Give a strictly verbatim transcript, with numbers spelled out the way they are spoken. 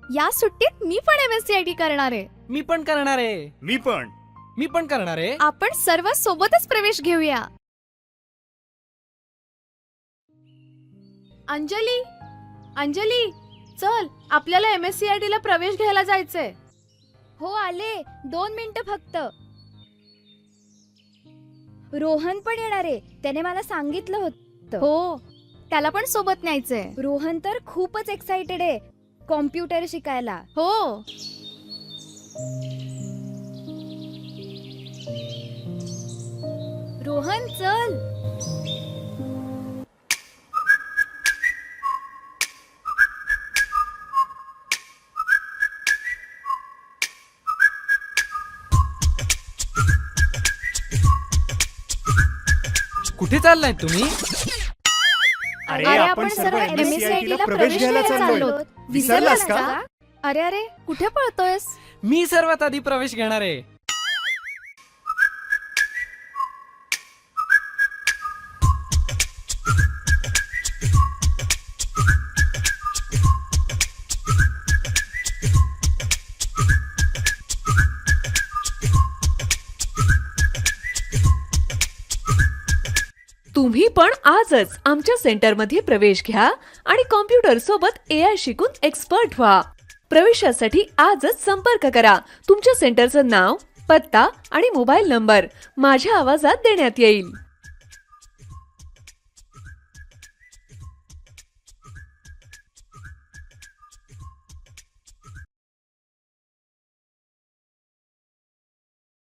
या सुट्टीत मी पण एमएससीआयटी करणार आहे. मी पण करणार आहे. मी पण मी पण करणार आहे. आपण सर्व सोबतच प्रवेश घेऊया. अंजली, अंजली, चल आपल्याला एमएससीआयटी ला प्रवेश घ्यायला जायचंय. हो आले, दोन मिनिटं फक्त. रोहन पण येणार आहे, त्याने मला सांगितलं होतं. हो, त्याला पण सोबत न्यायचंय. रोहन तर खूपच एक्साइटेड आहे कॉम्प्युटर शिकायला. हो, रोहन चल. कुठे चाललाय तुम्ही? अरे अरे आपण सर्व एमएससीआयटी ला प्रवेश घ्यायला चाललोय. विसरलास का? अरे अरे कुठे पळतोयस? मी सर्वात आधी प्रवेश घेणार आहे. तुम्ही पण आजच आमच्या सेंटरमध्ये प्रवेश घ्या आणि कॉम्प्युटर सोबत एआय शिकून एक्सपर्ट व्हा. प्रवेशासाठी आजच संपर्क करा. तुमच्या सेंटरचं नाव, पत्ता आणि मोबाईल नंबर माझ्या आवाजात देण्यात येईल.